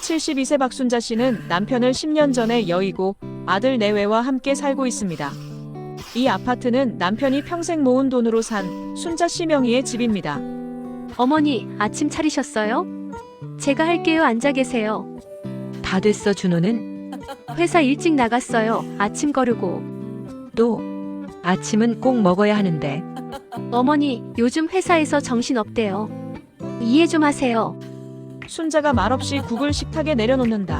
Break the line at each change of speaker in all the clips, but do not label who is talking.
72세 박순자 씨는 남편을 10년 전에 여의고 아들 내외와 함께 살고 있습니다. 이 아파트는 남편이 평생 모은 돈으로 산 순자 씨 명의의 집입니다.
어머니, 아침 차리셨어요? 제가 할게요. 앉아 계세요.
다 됐어. 준호는
회사 일찍 나갔어요. 아침 거르고.
또 아침은 꼭 먹어야 하는데.
어머니, 요즘 회사에서 정신 없대요. 이해 좀 하세요.
순자가 말없이 국을 식탁에 내려놓는다.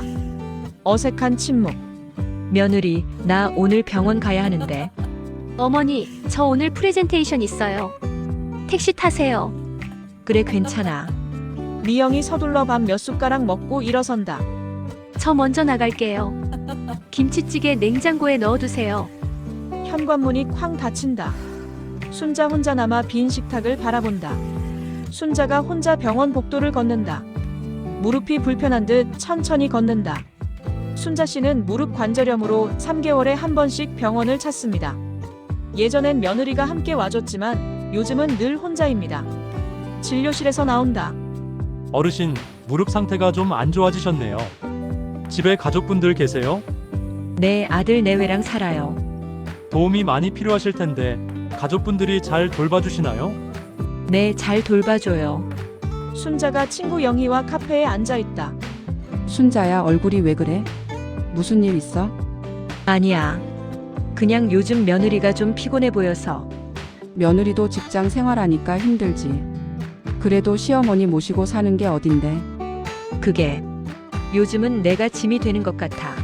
어색한 침묵.
며느리, 나 오늘 병원 가야 하는데.
어머니, 저 오늘 프레젠테이션 있어요. 택시 타세요.
그래, 괜찮아.
미영이 서둘러 밥 몇 숟가락 먹고 일어선다.
저 먼저 나갈게요. 김치찌개 냉장고에 넣어두세요.
현관문이 쾅 닫힌다. 순자 혼자 남아 빈 식탁을 바라본다. 순자가 혼자 병원 복도를 걷는다. 무릎이 불편한 듯 천천히 걷는다. 순자 씨는 무릎 관절염으로 3개월에 한 번씩 병원을 찾습니다. 예전엔 며느리가 함께 와줬지만 요즘은 늘 혼자입니다. 진료실에서 나온다.
어르신, 무릎 상태가 좀 안 좋아지셨네요. 집에 가족분들 계세요?
내 아들 내외랑 살아요.
도움이 많이 필요하실 텐데 가족분들이 잘 돌봐주시나요?
네, 잘 돌봐줘요.
순자가 친구 영희와 카페에 앉아있다.
순자야, 얼굴이 왜 그래? 무슨 일 있어?
아니야. 그냥 요즘 며느리가 좀 피곤해 보여서.
며느리도 직장 생활하니까 힘들지. 그래도 시어머니 모시고 사는 게 어딘데.
그게 요즘은 내가 짐이 되는 것 같아.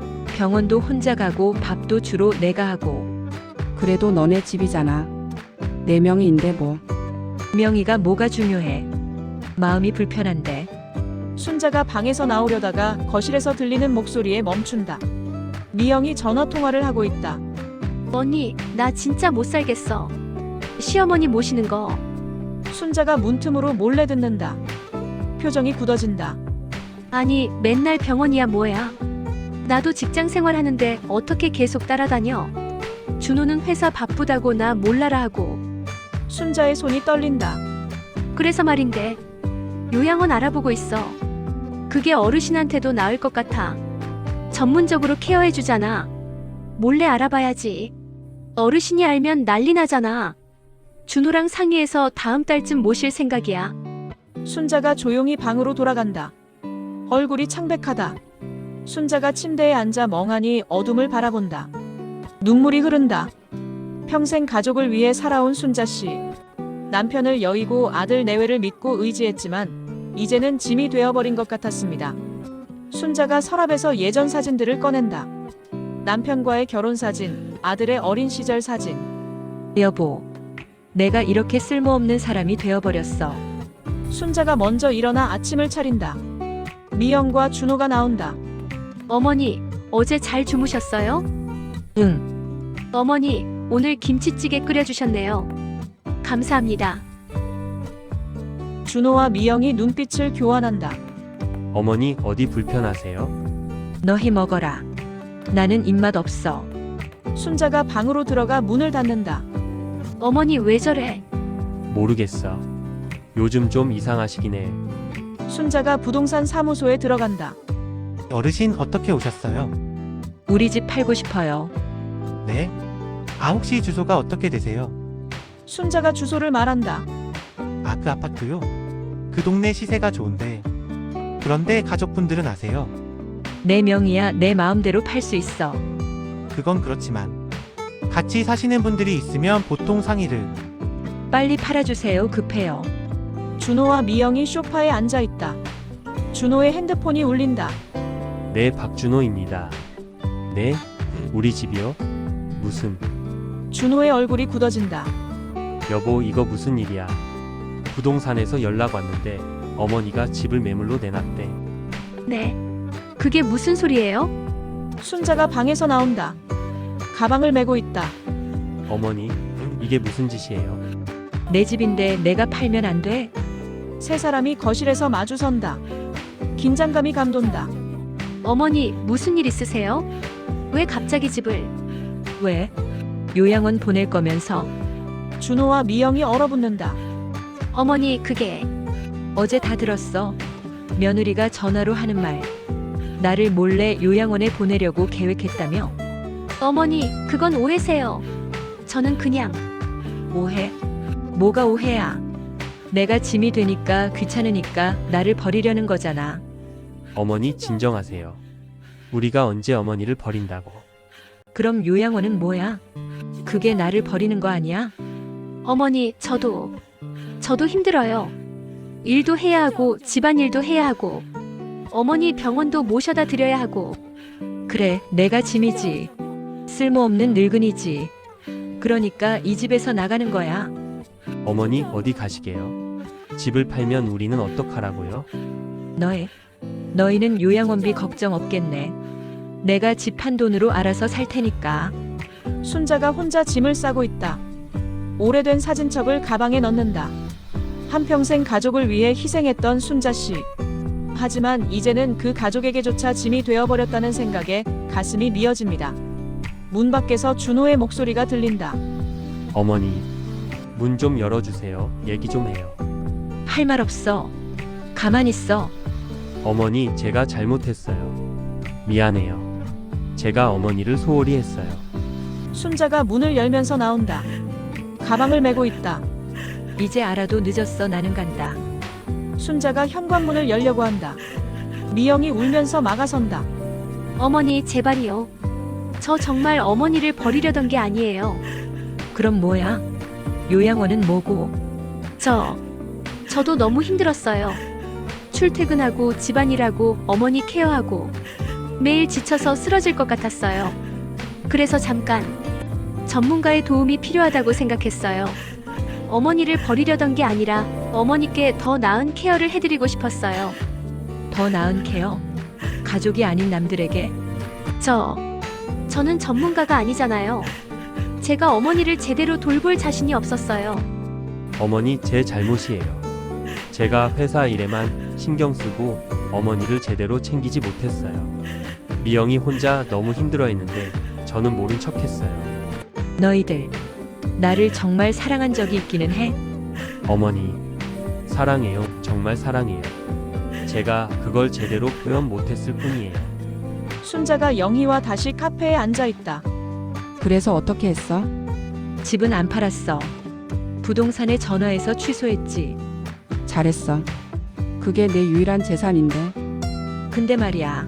병원도 혼자 가고 밥도 주로 내가 하고.
그래도 너네 집이잖아. 네 명이인데 뭐.
명의가 뭐가 중요해. 마음이 불편한데.
순자가 방에서 나오려다가 거실에서 들리는 목소리에 멈춘다. 미영이 전화통화를 하고 있다.
언니, 나 진짜 못 살겠어. 시어머니 모시는 거.
순자가 문틈으로 몰래 듣는다. 표정이 굳어진다.
아니, 맨날 병원이야 뭐야. 나도 직장 생활하는데 어떻게 계속 따라다녀. 준호는 회사 바쁘다고 나 몰라라 하고.
순자의 손이 떨린다.
그래서 말인데 요양원 알아보고 있어. 그게 어르신한테도 나을 것 같아. 전문적으로 케어해주잖아. 몰래 알아봐야지. 어르신이 알면 난리 나잖아. 준호랑 상의해서 다음 달쯤 모실 생각이야.
순자가 조용히 방으로 돌아간다. 얼굴이 창백하다. 순자가 침대에 앉아 멍하니 어둠을 바라본다. 눈물이 흐른다. 평생 가족을 위해 살아온 순자 씨. 남편을 여의고 아들 내외를 믿고 의지했지만 이제는 짐이 되어버린 것 같았습니다. 순자가 서랍에서 예전 사진들을 꺼낸다. 남편과의 결혼 사진, 아들의 어린 시절 사진.
여보, 내가 이렇게 쓸모없는 사람이 되어버렸어.
순자가 먼저 일어나 아침을 차린다. 미영과 준호가 나온다.
어머니, 어제 잘 주무셨어요?
응.
어머니, 오늘 김치찌개 끓여주셨네요. 감사합니다.
준호와 미영이 눈빛을 교환한다.
어머니 어디 불편하세요?
너 해 먹어라. 나는 입맛 없어.
순자가 방으로 들어가 문을 닫는다.
어머니 왜 저래?
모르겠어. 요즘 좀 이상하시긴 해.
순자가 부동산 사무소에 들어간다.
어르신 어떻게 오셨어요?
우리 집 팔고 싶어요.
네? 아, 혹시 주소가 어떻게 되세요?
순자가 주소를 말한다.
아, 그 아파트요? 그 동네 시세가 좋은데. 그런데 가족분들은 아세요?
내 명의야. 내 마음대로 팔 수 있어.
그건 그렇지만 같이 사시는 분들이 있으면 보통 상의를.
빨리 팔아주세요. 급해요.
준호와 미영이 소파에 앉아 있다. 준호의 핸드폰이 울린다.
네, 박준호입니다. 네? 우리 집이요? 무슨?
준호의 얼굴이 굳어진다.
여보, 이거 무슨 일이야? 부동산에서 연락 왔는데 어머니가 집을 매물로 내놨대.
네. 그게 무슨 소리예요?
순자가 방에서 나온다. 가방을 메고 있다.
어머니, 이게 무슨 짓이에요?
내 집인데 내가 팔면 안 돼?
세 사람이 거실에서 마주선다. 긴장감이 감돈다.
어머니 무슨 일 있으세요? 왜 갑자기 집을?
왜? 요양원 보낼 거면서.
준호와 미영이 얼어붙는다.
어머니 그게
어제 다 들었어. 며느리가 전화로 하는 말. 나를 몰래 요양원에 보내려고 계획했다며?
어머니, 그건 오해세요. 저는 그냥
오해? 뭐가 오해야? 내가 짐이 되니까 귀찮으니까 나를 버리려는 거잖아.
어머니 진정하세요. 우리가 언제 어머니를 버린다고.
그럼 요양원은 뭐야? 그게 나를 버리는 거 아니야?
어머니, 저도 힘들어요. 일도 해야 하고 집안일도 해야 하고 어머니 병원도 모셔다 드려야 하고.
그래, 내가 짐이지. 쓸모없는 늙은이지. 그러니까 이 집에서 나가는 거야.
어머니 어디 가시게요? 집을 팔면 우리는 어떡하라고요?
너희는 요양원비 걱정 없겠네. 내가 집 판 돈으로 알아서 살 테니까.
순자가 혼자 짐을 싸고 있다. 오래된 사진첩을 가방에 넣는다. 한평생 가족을 위해 희생했던 순자 씨. 하지만 이제는 그 가족에게조차 짐이 되어버렸다는 생각에 가슴이 미어집니다. 문 밖에서 준호의 목소리가 들린다.
어머니, 문 좀 열어주세요. 얘기 좀 해요.
할 말 없어. 가만히 있어.
어머니, 제가 잘못했어요. 미안해요. 제가 어머니를 소홀히 했어요.
순자가 문을 열면서 나온다. 가방을 메고 있다.
이제 알아도 늦었어. 나는 간다.
순자가 현관문을 열려고 한다. 미영이 울면서 막아선다.
어머니, 제발이요. 저 정말 어머니를 버리려던 게 아니에요.
그럼 뭐야? 요양원은 뭐고?
저도 너무 힘들었어요. 출퇴근하고 집안일하고 어머니 케어하고 매일 지쳐서 쓰러질 것 같았어요. 그래서 잠깐 전문가의 도움이 필요하다고 생각했어요. 어머니를 버리려던 게 아니라 어머니께 더 나은 케어를 해드리고 싶었어요.
더 나은 케어? 가족이 아닌 남들에게?
저는 전문가가 아니잖아요. 제가 어머니를 제대로 돌볼 자신이 없었어요.
어머니, 제 잘못이에요. 제가 회사 일에만 신경 쓰고 어머니를 제대로 챙기지 못했어요. 미영이 혼자 너무 힘들어했는데 저는 모른 척했어요.
너희들 나를 정말 사랑한 적이 있기는 해?
어머니, 사랑해요. 정말 사랑해요. 제가 그걸 제대로 표현 못했을 뿐이에요.
순자가 영희와 다시 카페에 앉아 있다.
그래서 어떻게 했어?
집은 안 팔았어. 부동산에 전화해서 취소했지.
잘했어. 그게 내 유일한 재산인데.
근데 말이야.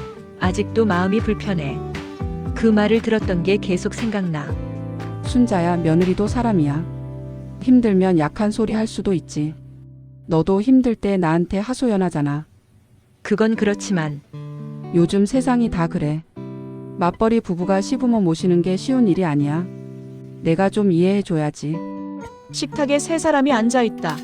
아직도 마음이 불편해. 그 말을 들었던 게 계속 생각나.
순자야, 며느리도 사람이야. 힘들면 약한 소리 할 수도 있지. 너도 힘들 때 나한테 하소연하잖아.
그건 그렇지만
요즘 세상이 다 그래. 맞벌이 부부가 시부모 모시는 게 쉬운 일이 아니야. 내가 좀 이해해줘야지.
식탁에 세 사람이 앉아 있다.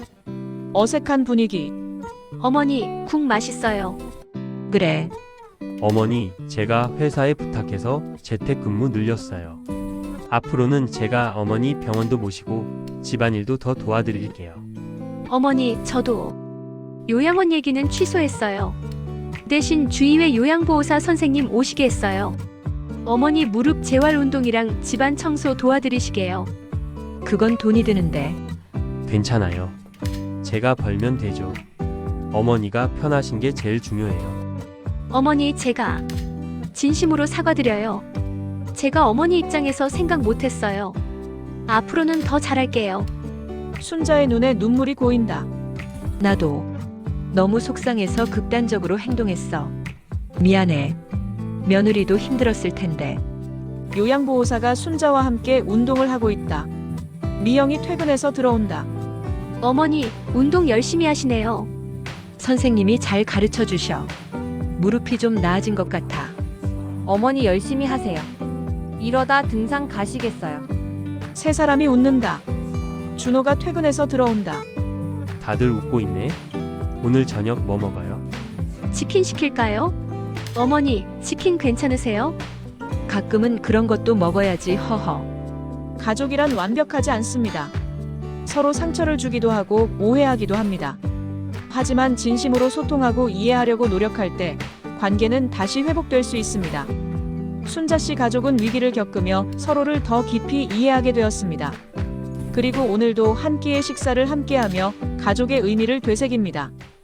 어색한 분위기.
어머니, 국 맛있어요.
그래.
어머니, 제가 회사에 부탁해서 재택근무 늘렸어요. 앞으로는 제가 어머니 병원도 모시고 집안일도 더 도와드릴게요.
어머니, 저도 요양원 얘기는 취소했어요. 대신 주의회 요양보호사 선생님 오시게 했어요. 어머니 무릎 재활 운동이랑 집안 청소 도와드리시게요.
그건 돈이 드는데.
괜찮아요. 제가 벌면 되죠. 어머니가 편하신 게 제일 중요해요.
어머니, 제가 진심으로 사과드려요. 제가 어머니 입장에서 생각 못했어요. 앞으로는 더 잘할게요.
순자의 눈에 눈물이 고인다.
나도 너무 속상해서 극단적으로 행동했어. 미안해. 며느리도 힘들었을 텐데.
요양보호사가 순자와 함께 운동을 하고 있다. 미영이 퇴근해서 들어온다.
어머니, 운동 열심히 하시네요.
선생님이 잘 가르쳐 주셔. 무릎이 좀 나아진 것 같아.
어머니 열심히 하세요. 이러다 등산 가시겠어요.
세 사람이 웃는다. 준호가 퇴근해서 들어온다.
다들 웃고 있네. 오늘 저녁 뭐 먹어요?
치킨 시킬까요? 어머니, 치킨 괜찮으세요?
가끔은 그런 것도 먹어야지. 허허.
가족이란 완벽하지 않습니다. 서로 상처를 주기도 하고 오해하기도 합니다. 하지만 진심으로 소통하고 이해하려고 노력할 때 관계는 다시 회복될 수 있습니다. 순자 씨 가족은 위기를 겪으며 서로를 더 깊이 이해하게 되었습니다. 그리고 오늘도 한 끼의 식사를 함께하며 가족의 의미를 되새깁니다.